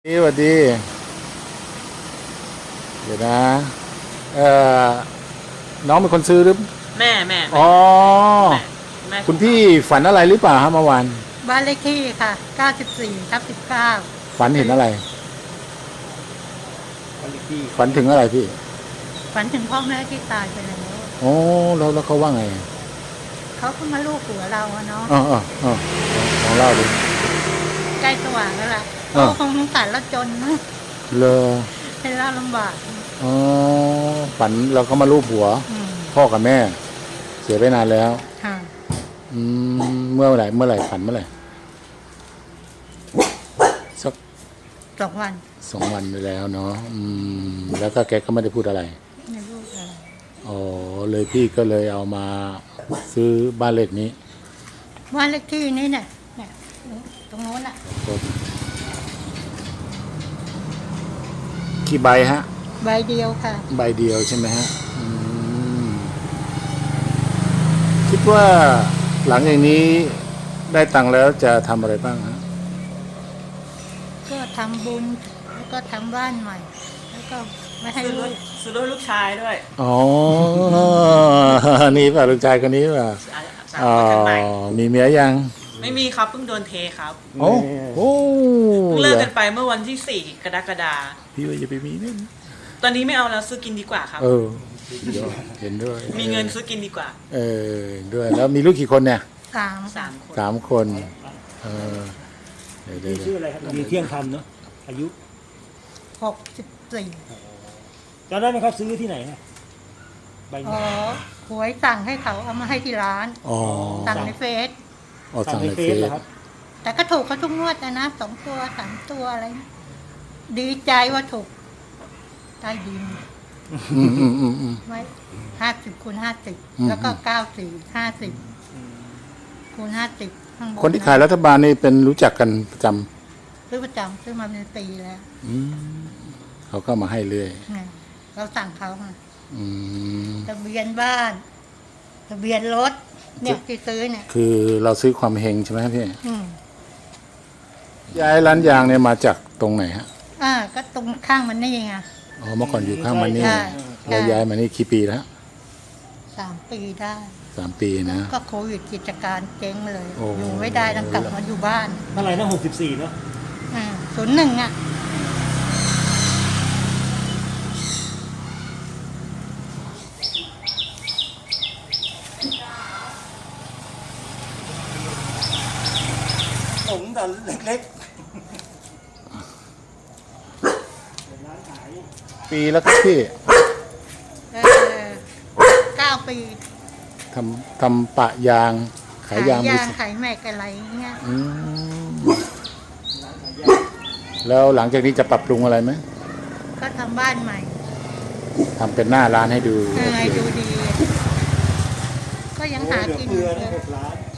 สวัสดีเดี๋ยวนะเอ่อน้องเป็นคนซื้อหรือแม่อ๋อแม่คุณพี่ฝันอะไรหรือเปล่าฮะเมื่อวานบ้านเลขที่ค่ะ 94/19 ฝันเห็นอะไรฝันถึงอะไรพี่ฝันถึงพ่อแม่ที่ตายไปแล้วอ๋อแล้วเขาว่าไงเขาก็มาลูบหัวเราอะเนาะลองเล่าดิใกล้สว่างแล้วล่ะอ่าเขาคงสงสารเราจนนะเลอให้เราลำบากอ๋อฝันเราก็มาลูบหัวอืมพ่อกับแม่ เสียไปนานแล้วค่ะเมื่อไหร่ฝันเมื่อไหร่สัก 2 วัน 2 วันไปแล้วเนาะแล้วก็แกก็ไม่ได้พูดอะไรในลูกอะไรอ๋อเลยพี่ก็เลยเอามาซื้อบ้านเลขนี้บ้านเลขที่นี้เนี่ยตรงโน้นอะกี่ใบฮะใบเดียวค่ะใบเดียวใช่ไหมฮะคิดว่าหลังอย่างนี้ได้ตังค์แล้วจะทำอะไรบ้างฮะก็ทำบุญแล้วก็ทำบ้านใหม่ แล้วก็ไม่ให้ซื้อรลูถกซื้อรถลูกชายด้วยอ๋อ นี่ป่ะลูกชายคนนี้ป่ะสามอ๋อคนกันใหม่มีเมียยังไม่มีครับเพิ่งโดนเทครับโอ้โหเพิ่งเลิกกันไปเมื่อวันที่ 4 กรกฎาคมพี่ว่าจะไปมีเนี่ยตอนนี้ไม่เอาแล้วซื้อกินดีกว่าครับเห็นด้วยมีเงินซื้อกินดีกว่าด้วยแล้วมีลูกกี่คนเนี่ย 3 3 คน 3 คนเดี๋ยวชื่ออะไรครับมีเที่ยงธรรมเนาะอายุ 64 จำได้ไหมครับซื้อที่ไหนฮะใบอ๋นี้อหวยสั่งให้เขาเอามาให้ที่ร้านอ๋อสั่งในเฟซสั่งในเฟซเหรอครับแต่ก็ถูกเขาทุกงวดนะ2 ตัว 3 ตัวอะไรนะดีใจว่าถูกใต้ดิน ไว้50 คูณ 50 แล้วก็94 50 คูณ 50ข้างบนคนที่ขายรัฐบาลนี่เป็นรู้จักกันประจซื้อประจำซื้อมาเป็นปีแล้วำเขาก็มาให้เรื่อยเนี่ยเราสั่งเขาค่ะอืมทะเบียนบ้าน ทะเบียนรถ เนี่ยที่ซื้อเนี่ยคือเราซื้อความเฮงใช่ไหมครับพี่อืมย้ายร้านยางเนี่ยมาจากตรงไหนฮะก็ตรงข้างมันนี่ไงอ๋อเมื่อก่อนอยู่ข้างมันนี่ใช่เราย้ายมานี่กี่ปีแล้ว 3 ปีได้ 3 ปีนะก็โควิดกิจการเจ๊งเลยโอ้อยู่ไม่ได้ต้องกลับมาอยู่บ้านเท่าไหร่นะ64เนาะ 01 ผมแต่เล็กปีแล้วครับพี่ 9 ปีทำปะยางขายยางมือขายแม็กอะไรเงี้ยอืมแล้วหลังจากนี้จะปรับปรุงอะไรไหมก็ทำบ้านใหม่ทำเป็นหน้าร้านให้ดูให้ดูดี ก็ยังหาเหลือกินเฟือเลนะย 6 ล้าน